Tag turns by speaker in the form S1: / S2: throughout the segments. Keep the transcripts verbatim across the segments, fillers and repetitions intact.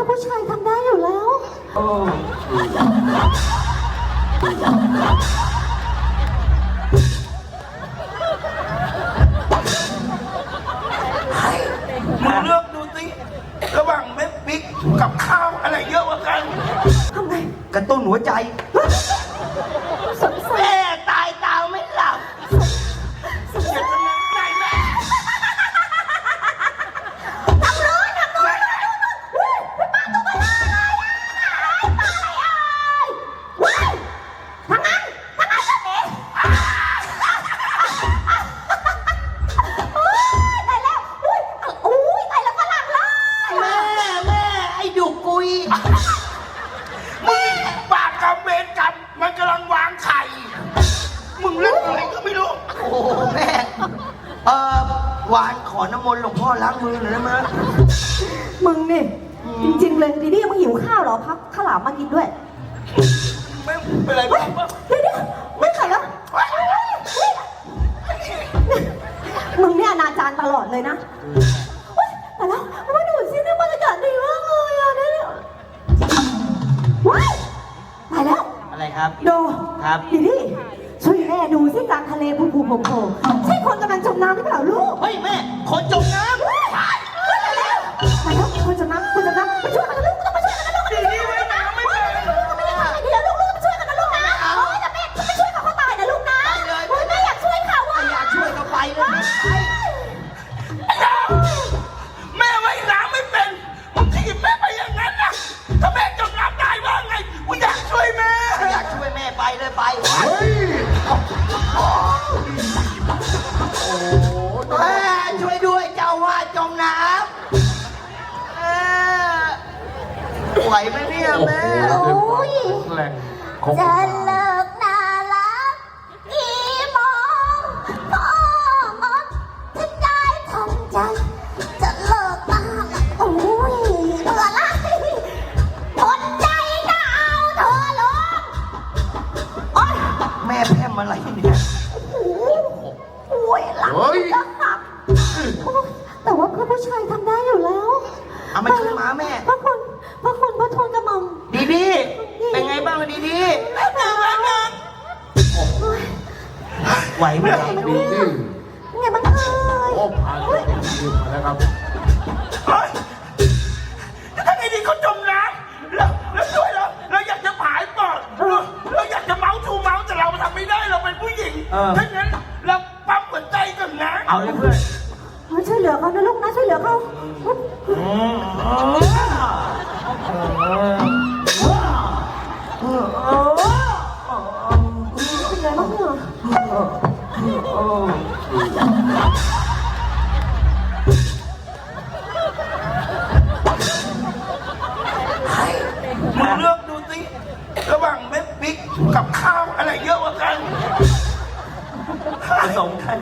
S1: ผู้ชายทำได้อยู่แล้ว
S2: โอ้มึงเลือกดูสิระหว่างเม็ดพริกกับข้าวอะไรเยอะกว่ากัน
S1: ทำไง
S2: กระตุ้นหัวใจ
S1: แม่
S2: ตายตาไม่หลับเสียดายแม่แม่
S1: ทำเลยทำเลยป้าตัวมาเลยป้าอะไรทำงั้นทำงั้นแบบนี้ตายแล้วอุ้ยตายแล้วฝรั่งเลย
S2: แม่แม่ไอ้ดุกุยมึงปากกับเวรกรรมมันกำลังวางไข่มึงเล่นอะไรก็ไม่รู้โอ้แม่เออวานขอน้ำมนต์หลวงพ่อล้างมือหน่อยได้ไหม
S1: มึงนี่จริงๆเลยดีดีมึงหิวข้าวเหรอพักข้าวหลามมากินด้วย
S2: ไม่เป็นไรบ้าง
S1: เดี๋ยวไม่ไข่แล้วมึงเนี่ยอนาจารตลอดเลยนะแต่แล้วมาดูสิเนี่ยบรรยากาศดีมากเลยอ่ะเนี่ยว้ายตายแล้ว
S2: อะไรครับ
S1: โด
S2: ครับ
S1: ดีดีช่วยแม่ดูสิกลางทะเลภูภูโผล่โผล่ใช่คนกำลังจมน้ำหรือเปล่าลูก
S2: เฮ้ยแม่คนจมน้ำ
S1: ตายแล้วตายแล้วคนจมน้ำคนจมน้ำไปช่วยกันนะลูกต้องไปช่วยกันนะลูก
S2: ดีดีไว้น้ำไม่เป็น
S1: ไม่ได้ทำอะไรดีแล้วลูกลูกช่วยกันนะลูกนะโอ้ยแต่แม่ไม่ช่วยเขาเขาตายนะลูกนะโอ้ยแม่อยากช่วยเขาอ่ะ
S2: อยากช่วยก็ไปเลยแม่ไว้น้ำไม่เป็นมึงถีบแม่ไปอย่างนั้นนะถ้าแม่จมน้ำตายว่าไงกูอยากช่วยแม่อยากช่วยแม่ไปเลยไปเฮ้ยโอ้แม่ช่วยด้วยเจ้าว่าจมน้ำไหวไหมเนี่ยแม่
S1: โอ้ยจะเลิกน่ารักกี่โมงพ่อมดฉันได้ทำใจจะเลิกน่ารักโอ้ยเบื่อละทนใจก็เอาเธอลงโอ๊ย
S2: แม่แพ้มาอะไรเนี่ย
S1: โอ้ยหลังจะหักแต่ว่าเพื่อผู้ชายทำได้อยู่แล้ว
S2: เอามาช่วยมาแม่
S1: พระคุณพระคุณพระทนกระหม่อม
S2: ดีดีเป็นไงบ้างดีดีไหวไหม
S1: ดีดีไงบ้างเอ่ย
S3: โอ้ผ่านยืมมาแล้วครับ
S2: เฮ้ยถ้าไอ้ดีเขาจมน้ำแล้วแล้วช่วยเราเราอยากจะผายปอดเราอยากจะเมาทูเมาแต่เราทำไม่ได้เราเป็นผู้หญิงถ้างั้นเราปั๊มหัวใจก่อนนะเอาเลยเพื่อน
S1: ช่วยเหลือเขานะลูกนะช่วยเหลือเขาเป็นไงบ้างเนี่ย
S2: มึงเลือกดูสิระหว่างเม็ดพริกกับข้าวอะไรเยอะกว่ากันผสมกัน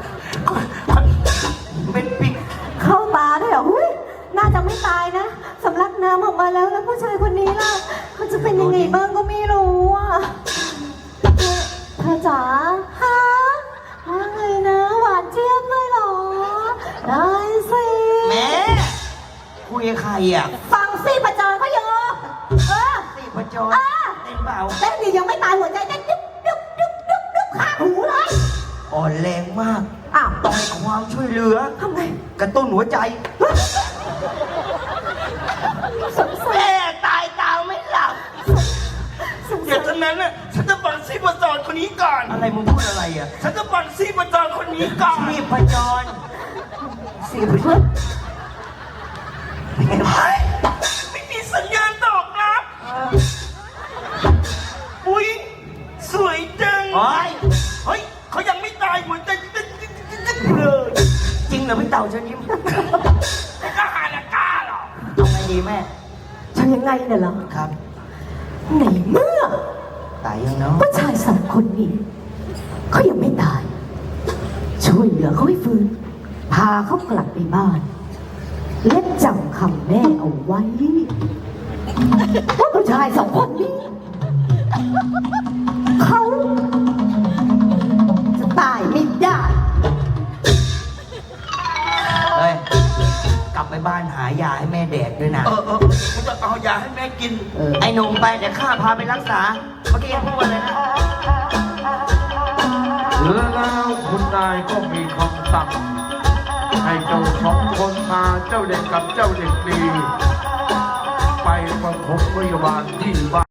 S2: เป็นพริก
S1: เข้าตาด้วยเหรอหุ้ยน่าจะไม่ตายนะสำลักน้ำออกมาแล้วแล้วผู้ชายคนนี้ล่ะเขาจะเป็นยังไงบ้างก็ไม่รู้อ่ะเธอจ๋าฮะว่าไงนะหวานเจี๊ยบเลยเหรอได้สิ
S2: แม่คุยกับใครอ่ะ
S1: ฟังสิประจอยเขาอยู่เออ
S2: สิประจอยเต้นเปล่า
S1: เต้นดียังไม่ตายหัวใจเต้นดึ๊บดึ๊บดึ๊บดึ๊บดึ๊บข้าหูเลย
S2: อ่อนแรงมาก
S1: อ้าว
S2: ต้องให้ความช่วยเหลือ
S1: ทำไง
S2: กระตุ้นหัวใจแม่ตายตาไม่หลับเดี๋ยวตอนนั้นน่ะฉันจะปั่นซีประจรคนนี้ก่อนอะไรมึงพูดอะไรอ่ะฉันจะปั่นซีประจรคนนี้ก่อนซีประจรซีประจรไม่มีสัญญาณตอบรับอุ้ยสวยจังเฮ้ยเขายังไม่ตายหัวใจเลยจริงเหรอพี่เต่าเชิญยิ้มไม่กล้าหาละกล้าหรอเอาไงดีแม่
S1: ทำยังไงเนี่ยเหรอ
S2: ครับ
S1: ในเมื่อ
S2: ตายยังเนาะ
S1: ผู้ชายสองคนนี้เขายังไม่ตายช่วยเหลือเขาให้ฟื้นพาเขากลับไปบ้านและจำคำแม่เอาไว้ว่าผู้ชายสองคนนี้เขาจะตายไม่ได้
S2: เฮ้ยกลับไปบ้านหายาให้แม่แดกด้วยนะกูจะเอายาให้แม่กิน
S4: เออ
S5: ไอ้หนุ่มไปเดี๋ยวข้าพาไปรักษาเมื่อกี้ยังพูดว่าอะไรนะ
S3: แล้วคุณนายก็มีคำสั่งให้เจ้าสองคนพาเจ้าเด็กกับเจ้าเด็กดี ไปประถมพยาบาลที่บ้าน